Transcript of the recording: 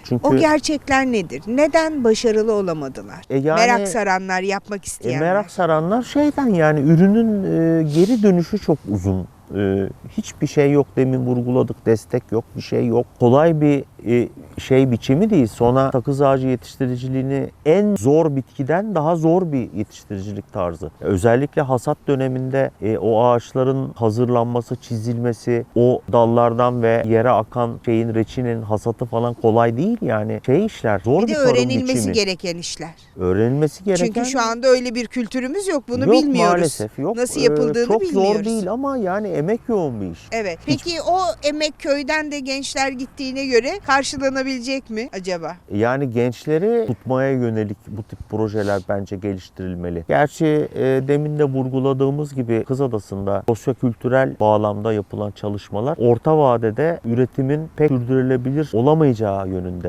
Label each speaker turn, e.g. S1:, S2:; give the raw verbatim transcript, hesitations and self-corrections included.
S1: Çünkü
S2: O gerçekler nedir? Neden başarılı olamadılar?
S1: E yani-
S2: merak saranlar, yapmak
S1: E,
S2: isteyenler.
S1: merak saranlar şeyden yani ürünün e, geri dönüşü çok uzun. E, hiçbir şey yok, demin vurguladık, destek yok, bir şey yok. Kolay bir e, şey biçimi değil. Sona sakız ağacı yetiştiriciliğini en zor bitkiden daha zor bir yetiştiricilik tarzı. Özellikle hasat döneminde e, o ağaçların hazırlanması, çizilmesi, o dallardan ve yere akan şeyin, reçinin hasatı falan kolay değil yani. Şey işler, zor
S2: Bir
S1: bir,
S2: de
S1: tarım
S2: öğrenilmesi
S1: biçimi.
S2: gereken işler.
S1: Öğrenilmesi gereken.
S2: Çünkü şu anda öyle bir kültürümüz yok. Bunu
S1: yok,
S2: bilmiyoruz.
S1: maalesef yok.
S2: Nasıl
S1: Ee,
S2: yapıldığını
S1: çok
S2: bilmiyoruz.
S1: zor değil ama yani emek yoğun bir iş.
S2: Evet. Peki o emek köyden de gençler gittiğine göre karşılanabilecek mi acaba?
S1: Yani gençleri tutmaya yönelik bu tip projeler bence geliştirilmeli. Gerçi e, demin de vurguladığımız gibi Kızadası'nda sosyokültürel bağlamda yapılan çalışmalar orta vadede üretimin pek sürdürülebilir olamayacağı yönünde